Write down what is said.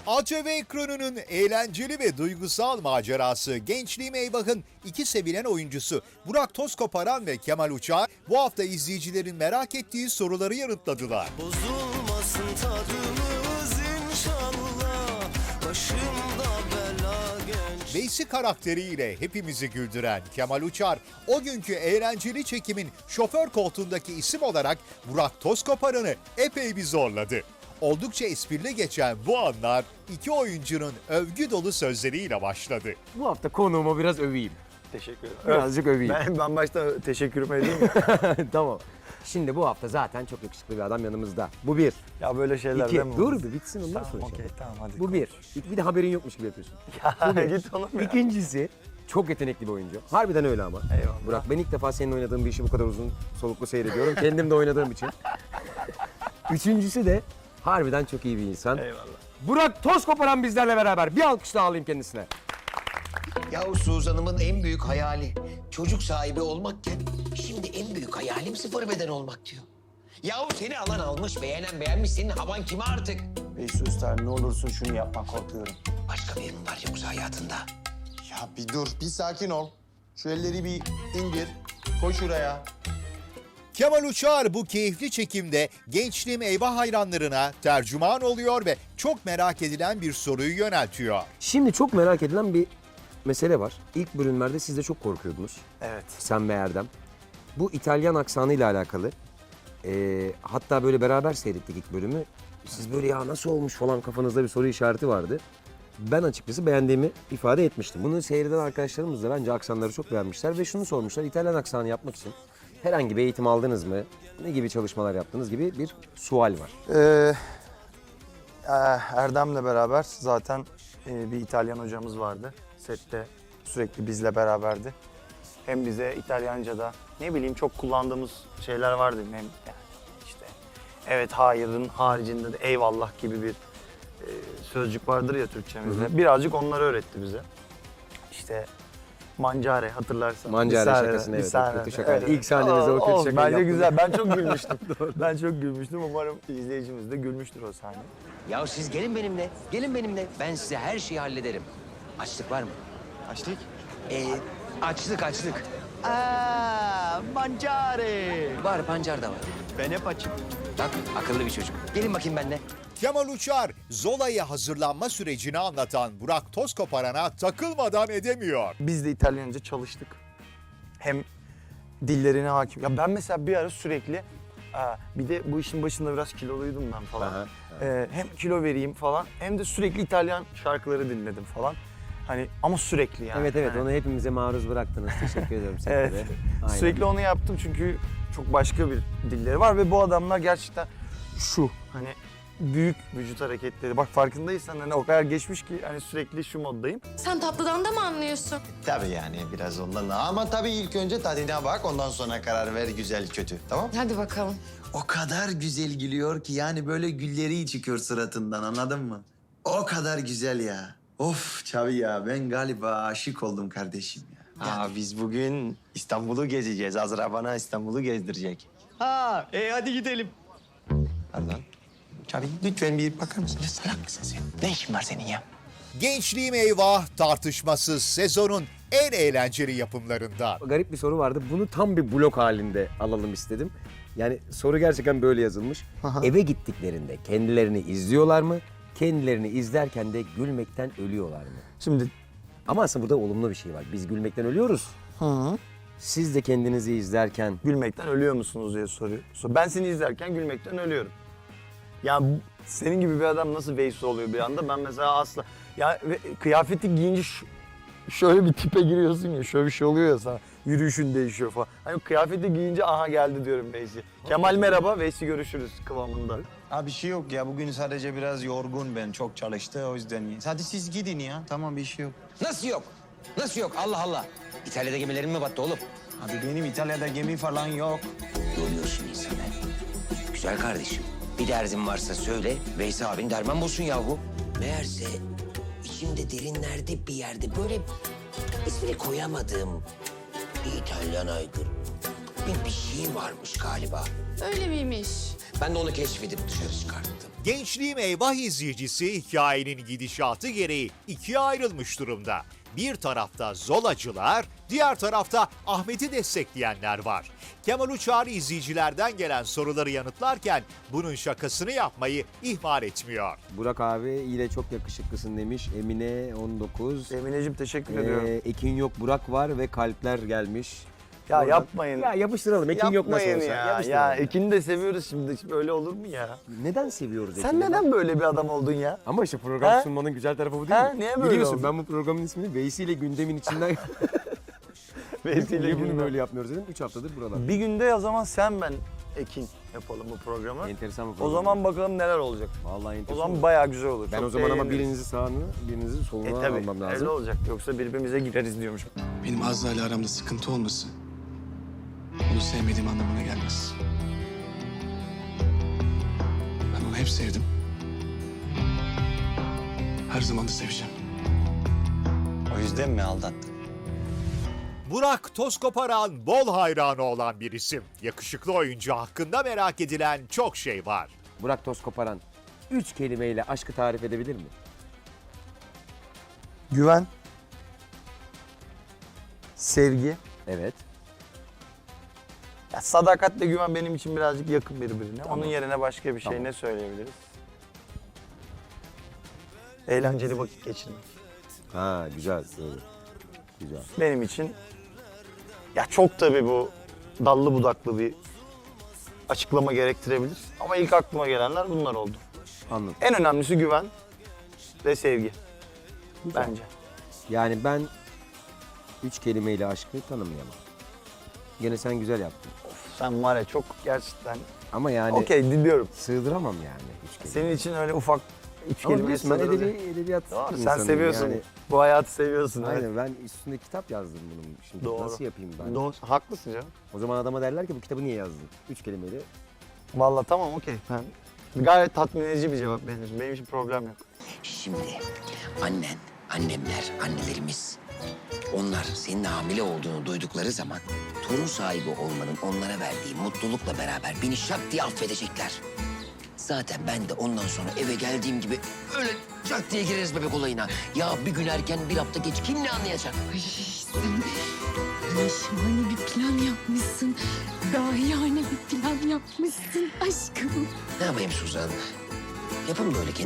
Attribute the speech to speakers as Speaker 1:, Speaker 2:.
Speaker 1: ATV ekranının eğlenceli ve duygusal macerası Gençliğim Eyvah'ın iki sevilen oyuncusu Burak Tozkoparan ve Kemal Uçar bu hafta izleyicilerin merak ettiği soruları yanıtladılar.
Speaker 2: Bozulmasın tadımız inşallah. Başımda bela genç.
Speaker 1: Veysi karakteriyle hepimizi güldüren Kemal Uçar, o günkü eğlenceli çekimin şoför koltuğundaki isim olarak Burak Tozkoparan'ı epey bir zorladı. Oldukça esprili geçen bu anlar iki oyuncunun övgü dolu sözleriyle başladı.
Speaker 3: Bu hafta konuğumu biraz öveyim.
Speaker 4: Teşekkür ederim.
Speaker 3: Birazcık öveyim.
Speaker 4: Ben başta teşekkürümü edeyim mi?
Speaker 3: Tamam. Şimdi bu hafta zaten çok yakışıklı bir adam yanımızda. Bu bir.
Speaker 4: Ya böyle şeyler
Speaker 3: İki.
Speaker 4: değil mi?
Speaker 3: Dur bir bitsin ondan
Speaker 4: Tamam,
Speaker 3: sonra.
Speaker 4: okey, tamam hadi.
Speaker 3: Bu bir. Bir de haberin yokmuş gibi yapıyorsun.
Speaker 4: Ya git oğlum ya.
Speaker 3: İkincisi çok yetenekli bir oyuncu. Harbiden öyle ama.
Speaker 4: Eyvallah.
Speaker 3: Burak, ben ilk defa senin oynadığın bir işi bu kadar uzun soluklu seyrediyorum. Kendim de oynadığım için. Üçüncüsü de harbiden çok iyi bir insan.
Speaker 4: Eyvallah.
Speaker 3: Burak Tozkoparan bizlerle beraber. Bir alkış daha alayım kendisine.
Speaker 5: Yahu Suzan'ımın en büyük hayali çocuk sahibi olmakken şimdi en büyük hayalim sıfır beden olmak diyor. Yahu seni alan almış, beğenen beğenmiş, senin havan kime artık?
Speaker 6: Beysi Usta ne olursun şunu yapma korkuyorum.
Speaker 5: Başka biri mi var yoksa hayatında?
Speaker 6: Ya bir dur, bir sakin ol. Şu elleri bir indir. Koy şuraya.
Speaker 1: Kemal Uçar bu keyifli çekimde Gençliğim Eyvah hayranlarına tercüman oluyor ve çok merak edilen bir soruyu yöneltiyor.
Speaker 3: Şimdi çok merak edilen bir mesele var. İlk bölümlerde siz de çok korkuyordunuz.
Speaker 4: Evet.
Speaker 3: Sen ve Erdem. Bu İtalyan aksanıyla alakalı. Hatta böyle beraber seyrettik ilk bölümü. Siz böyle ya nasıl olmuş falan kafanızda bir soru işareti vardı. Ben açıkçası beğendiğimi ifade etmiştim. Bunu seyreden arkadaşlarımız da bence aksanları çok beğenmişler ve şunu sormuşlar. İtalyan aksanı yapmak için herhangi bir eğitim aldınız mı? Ne gibi çalışmalar yaptınız gibi bir sual var.
Speaker 4: Erdem'le beraber zaten bir İtalyan hocamız vardı. Sette sürekli bizle beraberdi. Hem bize İtalyanca'da ne bileyim çok kullandığımız şeyler vardı. Hem yani işte evet hayırın haricinde de eyvallah gibi bir sözcük vardır ya Türkçemizde. Birazcık onları öğretti bize. İşte mancare hatırlarsan.
Speaker 3: Mancare
Speaker 4: Bir sahne-
Speaker 3: şakasını,
Speaker 4: bir
Speaker 3: evet, o
Speaker 4: sahne-
Speaker 3: kötü şaka. İlk sahnemizde o kötü
Speaker 4: olsun,
Speaker 3: şakayı
Speaker 4: bence
Speaker 3: yaptın.
Speaker 4: güzel. Ben çok gülmüştüm. Ben çok gülmüştüm. Umarım izleyicimiz de gülmüştür o sahne.
Speaker 5: Yahu siz gelin benimle, gelin benimle. Ben size her şeyi hallederim. Açlık var mı?
Speaker 6: Açlık.
Speaker 5: Açlık.
Speaker 6: Mancare.
Speaker 5: Var, pancar da var.
Speaker 6: Ben hep açım.
Speaker 5: Bak, akıllı bir çocuk. Gelin bakayım benimle.
Speaker 1: Kemal Uçar, Zola'ya hazırlanma sürecini anlatan Burak Tozkoparan'a takılmadan edemiyor.
Speaker 4: Biz de İtalyanca çalıştık. Hem dillerine hakim. Ya ben mesela bir ara sürekli bir de bu işin başında biraz kiloluydum ben falan.
Speaker 3: Aha,
Speaker 4: Hem kilo vereyim falan hem de sürekli İtalyan şarkıları dinledim falan. Hani ama sürekli yani.
Speaker 3: Evet
Speaker 4: Yani.
Speaker 3: onu hepimize maruz bıraktınız. Teşekkür ediyorum size
Speaker 4: Evet.
Speaker 3: de. Aynen.
Speaker 4: Sürekli onu yaptım çünkü çok başka bir dilleri var ve bu adamlar gerçekten şu hani büyük vücut hareketleri. Bak farkındaysan hani o kadar geçmiş ki hani sürekli şu moddayım.
Speaker 7: Sen tatlıdan da mı anlıyorsun?
Speaker 6: Tabii yani biraz ondan ama tabii ilk önce tadına bak ondan sonra karar ver güzel kötü tamam?
Speaker 7: Hadi bakalım.
Speaker 6: O kadar güzel gülüyor ki yani böyle gülleri çıkıyor suratından anladın mı? O kadar güzel ya. Of Çavi ya ben galiba aşık oldum kardeşim ya. Biz bugün İstanbul'u gezeceğiz. Azra bana İstanbul'u gezdirecek. Hadi gidelim. Pardon. Çavi lütfen bir bakar mısın? Salak mısın sen? Ne işin var senin ya?
Speaker 1: Gençliğim Eyvah tartışmasız sezonun en eğlenceli yapımlarından.
Speaker 3: Garip bir soru vardı. Bunu tam bir blok halinde alalım istedim. Yani soru gerçekten böyle yazılmış. Eve gittiklerinde kendilerini izliyorlar mı? Kendilerini izlerken de gülmekten ölüyorlar mı?
Speaker 4: Şimdi
Speaker 3: Ama aslında burada olumlu bir şey var. Biz gülmekten ölüyoruz. Siz de kendinizi izlerken
Speaker 4: gülmekten ölüyor musunuz diye soruyor. Ben seni izlerken gülmekten ölüyorum. Ya senin gibi bir adam nasıl Veysi oluyor bir anda? Ben mesela asla... Ya kıyafeti giyince şöyle bir tipe giriyorsun ya, şöyle bir şey oluyor ya sana. Yürüyüşün değişiyor falan. Hani kıyafeti giyince aha geldi diyorum Veysi. Kemal merhaba, Veysi görüşürüz kıvamında.
Speaker 6: Bir şey yok ya bugün sadece biraz yorgun ben çok çalıştı o yüzden. Hadi siz gidin ya tamam bir şey yok.
Speaker 5: Nasıl yok? Nasıl yok? Allah Allah. İtalya'da gemilerin mi battı oğlum?
Speaker 6: Abi benim İtalya'da gemi falan yok.
Speaker 5: Yoruyorsun insanı. Güzel kardeşim. Bir derdin varsa söyle, Veysi abin derman bulsun yahu. Meğerse içimde derinlerde bir yerde böyle ismini koyamadığım bir İtalyan aygır. Bir şey varmış galiba.
Speaker 7: Öyle miymiş?
Speaker 5: Ben de onu keşfedip dışarı çıkarttım.
Speaker 1: Gençliğim Eyvah izleyicisi hikayenin gidişatı gereği ikiye ayrılmış durumda. Bir tarafta Zolacılar, diğer tarafta Ahmet'i destekleyenler var. Kemal Uçar izleyicilerden gelen soruları yanıtlarken bunun şakasını yapmayı ihmal etmiyor.
Speaker 3: Burak abi yine çok yakışıklısın demiş. Emine 19.
Speaker 4: Emineciğim teşekkür ediyorum.
Speaker 3: Ekin yok Burak var ve kalpler gelmiş.
Speaker 4: Ya
Speaker 3: Oradan-
Speaker 4: yapmayın.
Speaker 3: Ya yapıştıralım. Ekin yok nasıl
Speaker 4: Yapmayın
Speaker 3: olsa.
Speaker 4: ya.
Speaker 3: Yapıştıralım.
Speaker 4: Ya Ekin'i de seviyoruz şimdi. Öyle olur mu ya?
Speaker 3: Neden seviyoruz Ekin'i?
Speaker 4: Sen neden böyle bir adam oldun ya?
Speaker 3: Ama işte program
Speaker 4: Ha?
Speaker 3: sunmanın güzel tarafı bu değil
Speaker 4: Ha?
Speaker 3: mi?
Speaker 4: Niye böyle
Speaker 3: Biliyorsun
Speaker 4: oldu?
Speaker 3: ben bu programın ismini Veysi ile gündemin içinden...
Speaker 4: Veysi ile
Speaker 3: Niye bunu
Speaker 4: gündem.
Speaker 3: böyle yapmıyoruz dedim. 3 haftadır buralar.
Speaker 4: Bir günde o zaman sen ben Ekin yapalım bu programı.
Speaker 3: Enteresan bir
Speaker 4: O
Speaker 3: program.
Speaker 4: zaman bakalım neler olacak.
Speaker 3: Vallahi
Speaker 4: O
Speaker 3: enteresan.
Speaker 4: zaman bayağı güzel olur.
Speaker 3: Ben
Speaker 4: Çok
Speaker 3: o zaman ama
Speaker 4: eğleniriz.
Speaker 3: birinizi sağını, birinizi soluna
Speaker 4: tabii,
Speaker 3: almam lazım.
Speaker 4: öyle olacak. Yoksa birbirimize gireriz diyormuş.
Speaker 8: Benim Azra ile aramda sıkıntı olması onu sevmediğim anlamına gelmez. Ben onu hep sevdim. Her zaman da seveceğim.
Speaker 6: O yüzden mi aldattın?
Speaker 1: Burak Tozkoparan bol hayranı olan bir isim. Yakışıklı oyuncu hakkında merak edilen çok şey var.
Speaker 3: Burak Tozkoparan 3 kelimeyle aşkı tarif edebilir mi?
Speaker 4: Güven. Sevgi.
Speaker 3: Evet.
Speaker 4: Ya sadakatle güven benim için birazcık yakın birbirine. Onun yerine başka bir şey
Speaker 3: Tamam.
Speaker 4: ne söyleyebiliriz? Eğlenceli vakit geçirmek.
Speaker 3: Ha güzel. Doğru. Güzel.
Speaker 4: Benim için ya çok tabii bu dallı budaklı bir açıklama gerektirebilir. Ama ilk aklıma gelenler bunlar oldu.
Speaker 3: Anladım.
Speaker 4: En önemlisi güven ve sevgi.
Speaker 3: Güzel.
Speaker 4: Bence.
Speaker 3: Yani ben 3 kelimeyle aşkı tanımlayamam. Gene sen güzel yaptın.
Speaker 4: Sen var ya çok gerçekten...
Speaker 3: Ama yani
Speaker 4: Okey dinliyorum.
Speaker 3: sığdıramam yani 3 kelime.
Speaker 4: Senin için öyle ufak üç
Speaker 3: Ama
Speaker 4: kelime
Speaker 3: biliyorsun ben
Speaker 4: sığdırılıyor.
Speaker 3: edebiyat
Speaker 4: Doğru, sen
Speaker 3: insanıyım
Speaker 4: seviyorsun.
Speaker 3: yani.
Speaker 4: Bu hayatı seviyorsun. evet.
Speaker 3: Aynen ben üstünde kitap yazdım bunun. Şimdi
Speaker 4: Doğru.
Speaker 3: nasıl yapayım ben?
Speaker 4: Doğru. Haklısın canım.
Speaker 3: O zaman adama derler ki bu kitabı niye yazdın? 3 kelimeyle.
Speaker 4: Vallahi tamam okey. Ben gayet tatmin edici bir cevap benim için. Benim için problem yok.
Speaker 5: Şimdi annen, annemler, annelerimiz onlar senin hamile olduğunu duydukları zaman torun sahibi olmanın onlara verdiği mutlulukla beraber beni şak diye affedecekler. Zaten ben de ondan sonra eve geldiğim gibi öyle şak diye gireriz bebek olayına. Ya bir gün erken bir hafta geç kim ne anlayacak?
Speaker 7: Ay sen şahane bir plan yapmışsın. Dahiyane bir plan yapmışsın aşkım.
Speaker 5: Ne yapayım Suzan? Yapın böyle